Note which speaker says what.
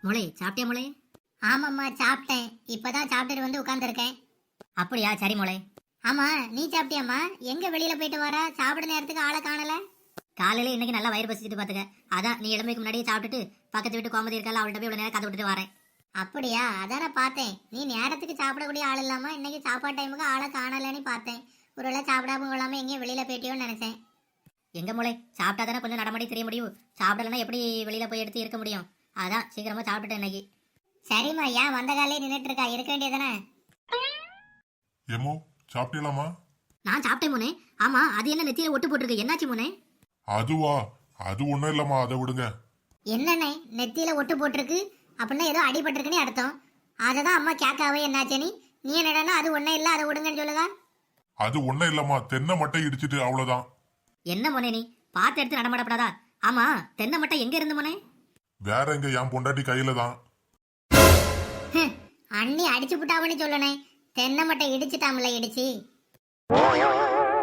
Speaker 1: முளை சாப்பிட்டியா முளை?
Speaker 2: ஆமாம்மா சாப்பிட்டேன். இப்பதான் சாப்பிட்டுட்டு வந்து உட்காந்துருக்கேன்.
Speaker 1: அப்படியா, சரி முளை.
Speaker 2: ஆமா நீ சாப்பிட்டியாம்மா? எங்க வெளியில போயிட்டு வர? சாப்பிட நேரத்துக்கு ஆளை காணல.
Speaker 1: காலையில இன்னைக்கு நல்லா வயிறு பசிச்சுட்டு பாத்துக்க. அதான் நீ எழுமைக்கு முன்னாடியே சாப்பிட்டுட்டு பக்கத்து வீட்டு கோமதி இருக்கால, அவள்கிட்ட போய் இவ்வளவு நேரம் கதை விட்டுட்டு வரேன்.
Speaker 2: அப்படியா? அதான பார்த்தேன். நீ நேரத்துக்கு சாப்பிடக்கூடிய ஆள் இல்லாம இன்னைக்கு சாப்பாடு டைமுக்கு ஆளை காணலன்னு பார்த்தேன். ஒருவேளை சாப்பிடாம கொள்ளாம எங்கேயும் வெளியில போயிட்டியோன்னு நினைச்சேன்.
Speaker 1: எங்க முளை, சாப்பிட்டா தானே கொஞ்சம் நடமாடி தெரிய முடியும். சாப்பிடலன்னா எப்படி வெளியில போய் எடுத்து இருக்க முடியும்? அதான் சீக்கிரமா சாப்பிட்டுட்டேன் இன்னைக்கு.
Speaker 2: சரிம்மா, ஏன் வந்த காலையே நின்றுட்டு இருக்கா? இருக்க வேண்டியதானே.
Speaker 3: ஏமோ சாப்பிட்டீங்களாமா?
Speaker 1: நான் சாப்பிட்டேன் முனே. ஆமா, அது என்ன நெத்தியில ஒட்டு போட்டிருக்கு, என்னாச்சு முனே?
Speaker 3: அதுவா? அது ஒண்ணும் இல்லம்மா, அதை விடுங்க.
Speaker 2: என்னண்ணே நெத்தியில ஒட்டு போட்டிருக்கு? அப்படின்னா ஏதோ அடிபட்டிருக்குன்னு அர்த்தம். அதை தான் அம்மா கேட்காவே என்னாச்சு நீ என்னடா அது ஒன்றும் இல்லை அதை விடுங்கன்னு சொல்லுதா?
Speaker 3: அது ஒண்ணும் இல்லம்மா, தென்னை மட்டை இடிச்சிட்டு அவ்வளவுதான்.
Speaker 1: என்ன முனே, நீ பார்த்து எடுத்து நடமாடப்படாதா? ஆமா, தென்னை மட்டை எங்க இருந்து முனே?
Speaker 3: வேற எங்க, என் பொண்டாட்டி கையில தான்.
Speaker 2: அண்ணி அடிச்சு புட்டாவன்னு சொல்லணே. தென்னை மட்டை இடிச்சுட்டாமல இடிச்சு.